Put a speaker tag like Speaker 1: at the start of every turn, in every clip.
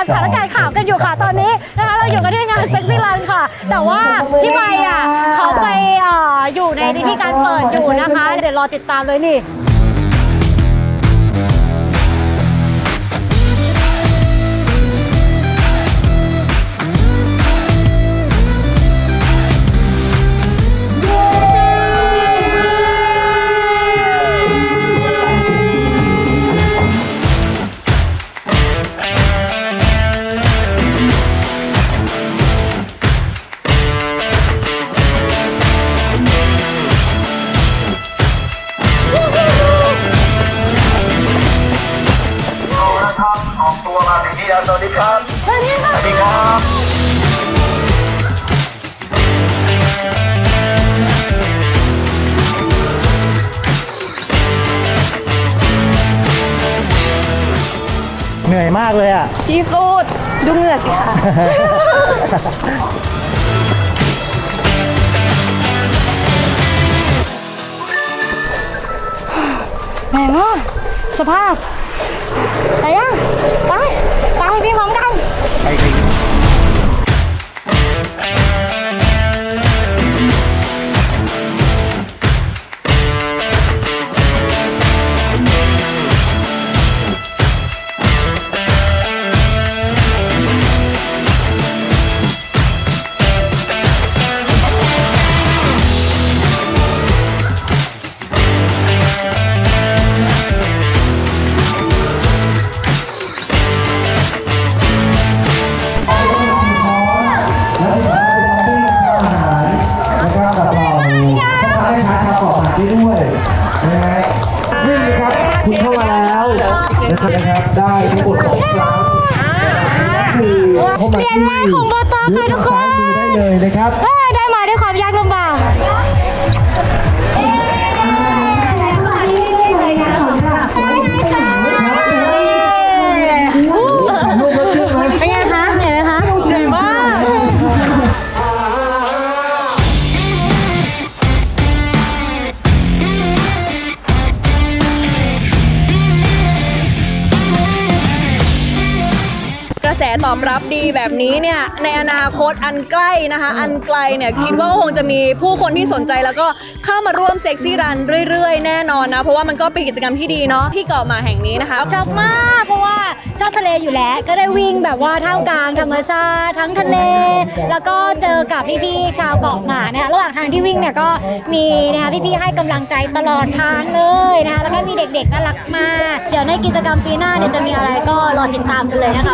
Speaker 1: สถานการณ์ข่าวกันอยู่ค่ะตอนนี้นะคะเราอยู่กันที่งานเซ็กซี่รันค่ะแต่ว่าพี่ใบอ่ะเขาไปอยู่ในที่การเปิดอยู่นะคะเดี๋ยวรอติดตามเลยนี่
Speaker 2: ออกตัวมาถึงที่แล้วสวัสดีครับสวัสดีครับ
Speaker 3: เหนื่อยมากเลยอ่ะ
Speaker 1: ที่สุดดูเหงื่อสิคะแหมว่าสภาพไปยังไปพี่พร้อมกัน
Speaker 3: ไปด้วยนะฮะนี่ครับคุณเข้ามาแล้วนะครับได้ทั้งหมด2 ครั้งคือเข้ามาที่
Speaker 1: ของโบตอค่ะทุกคน
Speaker 3: ได้เลยนะครับ
Speaker 1: ได้มาด้วยความยากลำบากเป็นไงคะเหนื่อยไหมคะเหนื่อยมาก
Speaker 4: กระแสตอบรับดีแบบนี้เนี่ยในอนาคตอันใกล้นะคะอันไกลเนี่ยคิดว่าคงจะมีผู้คนที่สนใจแล้วก็เข้ามาร่วมเซ็กซี่รันเรื่อยๆแน่นอนนะเพราะว่ามันก็เป็นกิจกรรมที่ดีเนาะที่เกาะหมาแห่งนี้นะคะ
Speaker 1: ชอบมากเพราะว่าชอบทะเลอยู่แล้วก็ได้วิ่งแบบว่าท่ามกลางธรรมชาติทั้งทะเลแล้วก็เจอกับพี่ๆชาวเกาะหมานะคะระหว่างทางที่วิ่งเนี่ยก็มีนะคะพี่ๆให้กำลังใจตลอดทางเลยนะคะแล้วก็มีเด็กๆน่ารักมากเดี๋ยวในกิจกรรมปีหน้าเนี่ยจะมีอะไรก็รอติดตามกันเลยนะคะ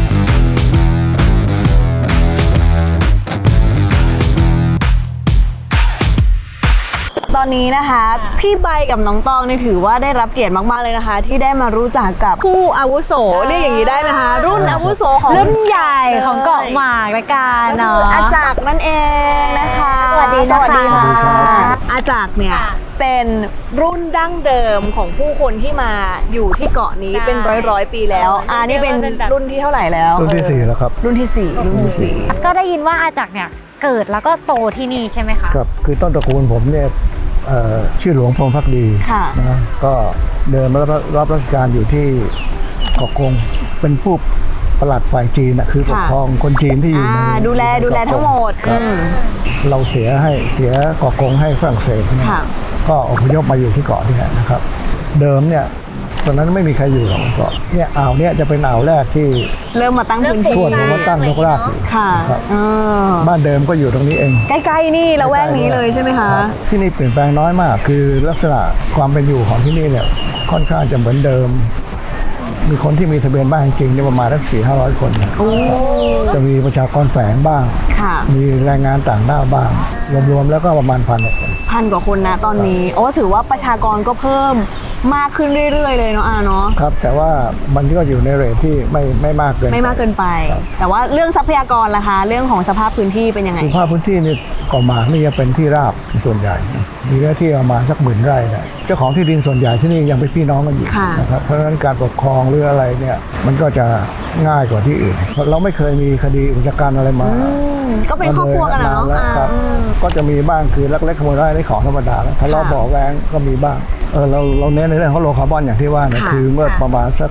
Speaker 4: ตอนนี้นะคะพี่ใบกับน้องตองเนี่ยถือว่าได้รับเกียรติมากๆเลยนะคะที่ได้มารู้จักกับผู้อาวุโสเรียกอย่างนี้ได้ไหมคะรุ่นอาวุโสของ
Speaker 1: รุ่นใหญ่ของเกาะหมากละกันเนาะ
Speaker 4: อาจักรนั่นเองนะคะ
Speaker 1: สวัสดีนะคะ
Speaker 4: อาจักรเนี่ยเป็นรุ่นดั้งเดิมของผู้คนที่มาอยู่ที่เกาะนี้เป็นร้อยปีแล้วนี่เป็นรุ่นที่เท่าไหร่แล้ว
Speaker 3: รุ่นที่4แล้วครับ
Speaker 4: รุ่นที่4
Speaker 1: ก็ได้ยินว่าอาจักรเนี่ยเกิดแล้วก็โตที่นี่ใช่ไหมคะ
Speaker 3: ครับคือต้นตระกูลผมเนี่ยชื่อหลวงพรหมภักดีนะก็เดินมารับราชการอยู่ที่เกาะกงเป็นผู้ปลัดฝ่ายจีนนะคือปกครองคนจีนที่อยู่ใน
Speaker 4: ดูแลทั้งหมด
Speaker 3: เราเสียเกาะกงให้ฝรั่งเศสก็อพยพมาอยู่ที่เกาะนี่นะครับเดิมเนี่ยตอนนั้นไม่มีใครอยู่หรอกเกาะเนี่ยอ่าวเนี่ยจะเป็นอ่าวแรกที่
Speaker 4: เริ่มมาตั้งพื้นที่
Speaker 3: ทั่วมาตั้งนกรากอยู่ครับบ้านเดิมก็อยู่ตรงนี้เอง
Speaker 4: ใกล้ๆนี่ละแวกนี้เลยใช่ไหมคะ
Speaker 3: ที่นี่เปลี่ยนแปลงน้อยมากคือลักษณะความเป็นอยู่ของที่นี่เนี่ยค่อนข้างจะเหมือนเดิมมีคนที่มีทะเบียนบ้านจริงๆประมาณสัก400-500 คนจะมีประชากรแฝงบ้างมีแรงงานต่างด้าวบ้างรวมๆแล้วก็ประมาณ
Speaker 4: 1,000 กว่าคนนะตอนนี้ถือว่าประชากรก็เพิ่มมากขึ้นเรื่อยๆเลยเนาะเนาะ
Speaker 3: ครับแต่ว่ามันก็อยู่ในเรทที่ไม่มากเกิ
Speaker 4: นไปแต่ว่าเรื่องทรัพยากรล่ะคะเรื่องของสภาพพื้นที่เป็นยังไง
Speaker 3: สภาพพื้นที่นี่เกาะหมากนี่จะเป็นที่ราบส่วนใหญ่มีเนื้อที่ประมาณสัก10,000 ไร่นะเจ้าของที่ดินส่วนใหญ่ที่นี่ยังเป็นพี่น้องกันอยู่นะครับเพราะฉะนั้นการปกครองหรืออะไรเนี่ยมันก็จะง่ายกว่าที่อื่นเราไม่เคยมีคดีอุกชะกันอะไรมา
Speaker 4: ก็เป็นครอบครัวกันเนาะ
Speaker 3: ก็จะมีบ้างคือลักเล็กขโมยน้อยในของธรรมดาถ้าเราบอกแวงก็มีบ้างเราเน้นในเรื่องของโลคาร์บอนอย่างที่ว่าเนี่ยคือเมื่อประมาณสัก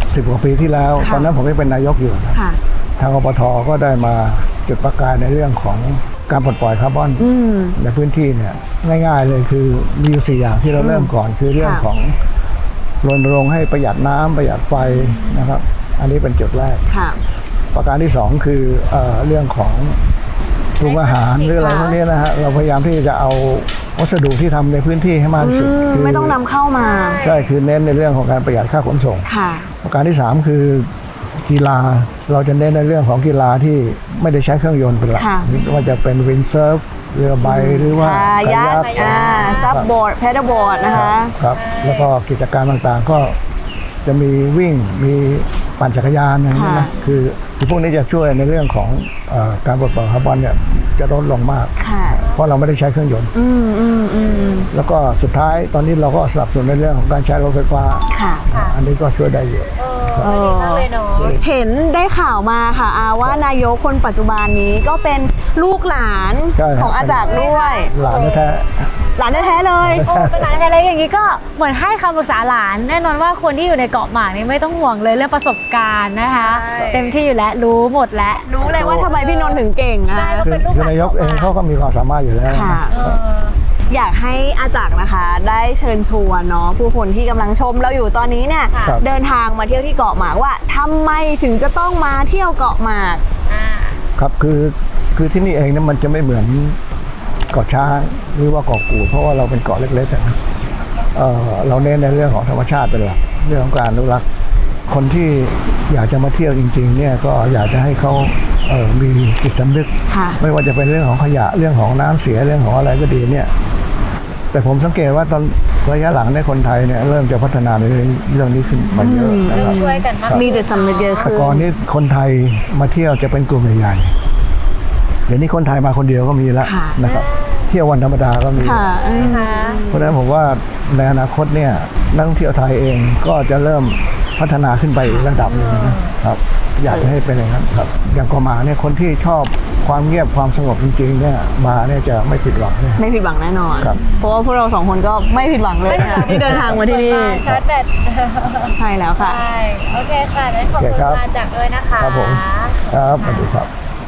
Speaker 3: 10 กว่าปีที่แล้ว ตอนนั้นผมยังเป็นนายกอยู่นะ
Speaker 4: ค่ะ
Speaker 3: ทางอปทก็ได้มาจุดประกายในเรื่องของการปลดปล่อยคาร์บอนในพื้นที่เนี่ยง่ายๆเลยคือมีอยู่4อย่างที่เราเริ่มก่อนคือเรื่องของรณรงค์ให้ประหยัดน้ำประหยัดไฟนะครับ อันนี้เป็นจุดแรก
Speaker 4: ค่ะ
Speaker 3: ประการที่2คือเรื่องของปรุงอาหารหรืออะไรพวกนี้นะฮะเราพยายามที่จะเอาวัสดุที่ทำในพื้นที่ให้มากที่สุดคื
Speaker 4: ไม่ต้องนำเข้ามา
Speaker 3: ใช่คือเน้นในเรื่องของการประหยัดค่าขนส่ง
Speaker 4: ค่ะ
Speaker 3: ประการที่3คือกีฬาเราจะเน้นในเรื่องของกีฬาที่ไม่ได้ใช้เครื่องยนต์เป็นหลัก
Speaker 4: ค่ะ
Speaker 3: ไม่ว่าจะเป็นวินเซิร์ฟเรือใบหรือว่า
Speaker 4: คายักซับบอร์ดแพดบอร์ดนะคะ
Speaker 3: ครับแล้วก็กิจการต่างๆก็จะมีวิ่งมีปั่นจักรยานอย่างนี้นะคือพวกนี้จะช่วยในเรื่องของการปลดปล่อยคาร์บอนเนี่ยจะลดลงมาก
Speaker 4: ค่ะ
Speaker 3: เพราะเราไม่ได้ใช้เครื่องยนต์แล้วก็สุดท้ายตอนนี้เราก็สนับสนุนในเรื่องของการใช้รถไฟฟ้า
Speaker 4: ค่ะ
Speaker 3: อันนี้ก็ช่วยได้เยอะ
Speaker 4: เห็นได้ข่าวมาค่ะอาว่านายกคนปัจจุบันนี้ก็เป็นลูกหลาน
Speaker 3: ใช่ครับ
Speaker 4: ของอาจักรด้วย
Speaker 3: หลานแท้
Speaker 4: หลานแท้ๆเลย
Speaker 1: โอ้เป็นหลานอะไรอย่างนี้ก็เหมือนให้คำปรึกษาหลาน แน่นอนว่าคนที่อยู่ในเกาะหมากนี่ไม่ต้องห่วงเลยเรื่องประสบการณ์นะคะ
Speaker 4: ใช่
Speaker 1: เต็มที่อยู่แล้วรู้หมดแล้ว
Speaker 4: รู้เลยว่าทำไมพี่นนท์ถึงเก่งอะ
Speaker 1: ใช่
Speaker 3: คือนายกเองเขาก็มีความสามารถอยู่แล้ว
Speaker 4: ค่ะ อยากให้อาจักรนะคะ ได้เชิญชวนเนาะผู้คนที่กำลังชมเราอยู่ตอนนี้เนี่ย
Speaker 3: ครับ
Speaker 4: เดินทางมาเที่ยวที่เกาะหมากว่าทำไมถึงจะต้องมาเที่ยวเกาะหมาก
Speaker 3: ครับคือที่นี่เองเนี่ยมันจะไม่เหมือนเกาะช้างหรือว่าเกาะกูดเพราะว่าเราเป็นเกาะเล็กๆอะนะเราเน้นในเรื่องของธรรมชาติเป็นหลักเรื่องของการอนุรักษ์คนที่อยากจะมาเที่ยวจริงๆเนี่ยก็อยากจะให้เขามีจิตสำนึก
Speaker 4: ค่ะ
Speaker 3: ไม่ว่าจะเป็นเรื่องของขยะเรื่องของน้ำเสียเรื่องของอะไรก็ดีเนี่ยแต่ผมสังเกตว่าตอนระยะหลังในยคนไทยเนี่ยเริ่มจะพัฒนาในเรื่องนี้ขึ้นมาเยอะนะครับ
Speaker 1: ช่วยกันมาก
Speaker 4: มีจิตสำนึกเยอะ
Speaker 3: แต่
Speaker 4: ขึ้น
Speaker 3: ก่อนนี้คนไทยมาเที่ยวจะเป็นกลุ่มใหญ่ๆเดี๋ยวนี้คนไทยมาคนเดียวก็มีแล้ว
Speaker 4: ค่ะ
Speaker 3: นะครับเที่ยววันธรรมดาก็มี
Speaker 4: ค่ะ
Speaker 3: เพราะฉะนั้นผมว่าในอนาคตเนี่ยนักท่องเที่ยวไทยเองก็จะเริ่มพัฒนาขึ้นไปอีกระดับหนึงนะครับอยากจะให้เป็นอย่างนั้นครับอย่างเกาะหมากเนี่ยคนที่ชอบความเงียบความสงบจริงๆเนี่ยมาเนี่ยจะไม่ผิดหวังเลย
Speaker 4: ไม่ผิดหวังแน่นอน
Speaker 3: ครับ
Speaker 4: เพราะว่าพวกเราสองคนก็ไม่ผิดหวังเลยค่ะที่เดินทางมาที่นี่
Speaker 1: ชาร์จแบต
Speaker 4: ใช่แล้วค่ะ
Speaker 1: ใช่โอเคค่ะงั้นขอบคุณมาจากด้วยนะคะ
Speaker 3: ครับผมครับสวัสดีครับ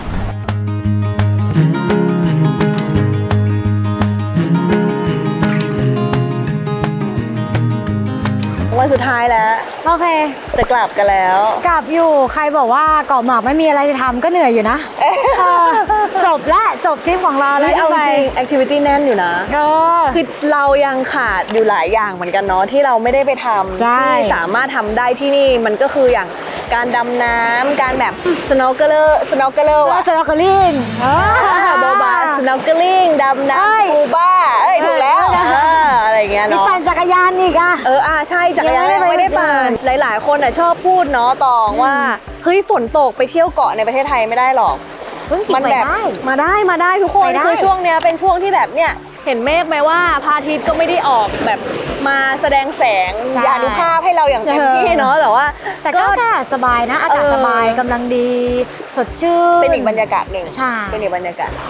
Speaker 4: วันสุดท้ายแล้ว
Speaker 1: โอเค
Speaker 4: จะกลับกันแล้ว
Speaker 1: กลับอยู่ใครบอกว่าเกาะหมากไม่มีอะไรจะทำก็เหนื่อยอยู่นะจบและจบทริปของเราแล้ว
Speaker 4: เอาจริงแอคทิวิตี้แน่นอยู่นะ
Speaker 1: ก็
Speaker 4: คือเรายังขาดอยู่หลายอย่างเหมือนกันเนาะที่เราไม่ได้ไปทำ
Speaker 1: ใช่
Speaker 4: ที่สามารถทำได้ที่นี่มันก็คืออย่างการดำน้ำการแบบ snorkeler
Speaker 1: ว่า
Speaker 4: อะ
Speaker 1: สโนว์เกิลลิ่ง
Speaker 4: โบบา snorkeling ดำ
Speaker 1: เอ้
Speaker 4: น้ำ
Speaker 1: ย
Speaker 4: สกูบ้าถูกแล้วอะไรอย่างเงี้ย
Speaker 1: มี
Speaker 4: เนาะ
Speaker 1: ปั่นจักรยานอีกอ่ะ
Speaker 4: ใช่จักรยาน
Speaker 1: ยั
Speaker 4: ยัง ง
Speaker 1: ไม่
Speaker 4: ไม่
Speaker 1: ได้
Speaker 4: ได้
Speaker 1: ปั่
Speaker 4: ปั่
Speaker 1: น
Speaker 4: นหลายๆ คนอ่ะชอบพูดเนาะตองว่าเฮ้ยฝนตกไปเที่ยวเกาะในประเทศไทยไม่ได้หรอก
Speaker 1: เพิ่งขี่
Speaker 4: มัน
Speaker 1: ไป
Speaker 4: แบบ
Speaker 1: ได้
Speaker 4: มาได้ทุกคน
Speaker 1: ไปได้
Speaker 4: คือช่วงเนี้ยเป็นช่วงที่แบบเนี่ยเห็นเมฆไหมว่าพระอาทิตย์ก็ไม่ได้ออกแบบมาแสดงแสงอนุภาพให้เราอย่างเต็มที่เนาะแต่ว่า
Speaker 1: แต่ก็แค่สบายนะ อากาศสบายกำลังดี สดชื่น
Speaker 4: เป็นอีกบรรยากาศหนึ่ง
Speaker 1: ใช่
Speaker 4: เป็นอีกบรรยากาศ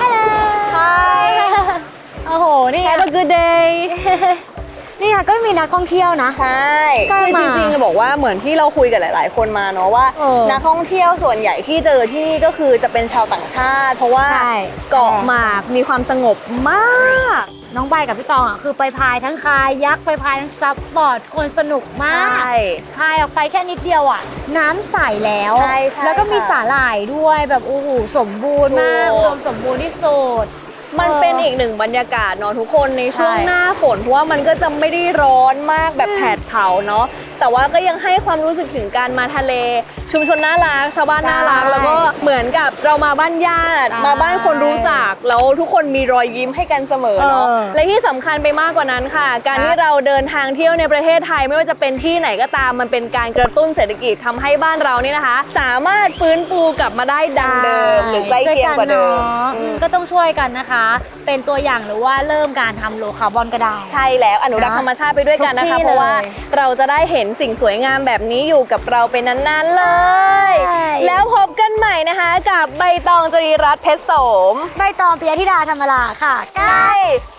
Speaker 1: Hi โอ้โห นี่
Speaker 4: Have a good day
Speaker 1: นี่ค่ะก็มีนักท่องเที่ยวนะ
Speaker 4: ใช่
Speaker 1: ใกล้
Speaker 4: คือ
Speaker 1: มา
Speaker 4: จริงๆจะบอกว่าเหมือนที่เราคุยกับหลาย ๆ คนมาเนาะว่า
Speaker 1: เออ
Speaker 4: นักท่องเที่ยวส่วนใหญ่ที่เจอที่นี่ก็คือจะเป็นชาวต่างชาติ เพราะว่า
Speaker 1: ใช่
Speaker 4: เกาะหมากมีความสงบมาก
Speaker 1: น้องใบกับพี่ตองอ่ะคือไปพายทั้งคายักไปพายทั้งซับบอร์ดคนสนุกมาก
Speaker 4: ใช่
Speaker 1: พายออกไปแค่นิดเดียวอ่ะ น้ำใสแล้ว
Speaker 4: ใช่ใช่
Speaker 1: แล้วก็มี
Speaker 4: ค่ะ
Speaker 1: สาหร่ายด้วยแบบโอ้โหสมบูรณ์มาก
Speaker 4: ถูก
Speaker 1: อุดมสมบูรณ์ที่สุด
Speaker 4: มันเป็นอีกหนึ่งบรรยากาศเนาะทุกคนในช่วง
Speaker 1: ใช่
Speaker 4: หน้าฝนเพราะว่ามันก็จะไม่ได้ร้อนมากแบบแผดเผาเนาะแต่ว่าก็ยังให้ความรู้สึกถึงการมาทะเล ชุมชนน่ารักชาวบ้านน่ารัก
Speaker 1: ใช่
Speaker 4: แล้วก็เหมือนกับเรามาบ้านญาติ
Speaker 1: ใช่
Speaker 4: มาบ้านคนรู้จักแล้วทุกคนมีรอยยิ้มให้กันเสมอเนาะ
Speaker 1: เออ
Speaker 4: และที่สำคัญไปมากกว่านั้นค่ะ การ
Speaker 1: ครับ
Speaker 4: ที่เราเดินทางเที่ยวในประเทศไทยไม่ว่าจะเป็นที่ไหนก็ตามมันเป็นการกระตุ้นเศรษฐกิจทำให้บ้านเรานี่นะคะ สามารถฟื้นฟูกลับมาได้ดังเดิมหรือใกล้เคียงกว่าเดิม
Speaker 1: ช่ยกันเนอะก็ต้องช่วยกันนะคะ เป็นตัวอย่างหรือว่าเริ่มการทำโลคาร์บอนก็ได้
Speaker 4: ใช่แล้วอนุรักษ์ธรรมชาติไปด้วยกันนะคะ
Speaker 1: ทุกที่
Speaker 4: เพราะว่า
Speaker 1: เลย
Speaker 4: เราจะได้เห็นสิ่งสวยงามแบบนี้อยู่กับเราเป็นนานๆเลย
Speaker 1: ใช่
Speaker 4: แล้วพบกันใหม่นะคะกับใบตองจรีรัตน์เพชรโสม
Speaker 1: ใบตองปิยธิดาธรรมราค่ะ
Speaker 4: ใช่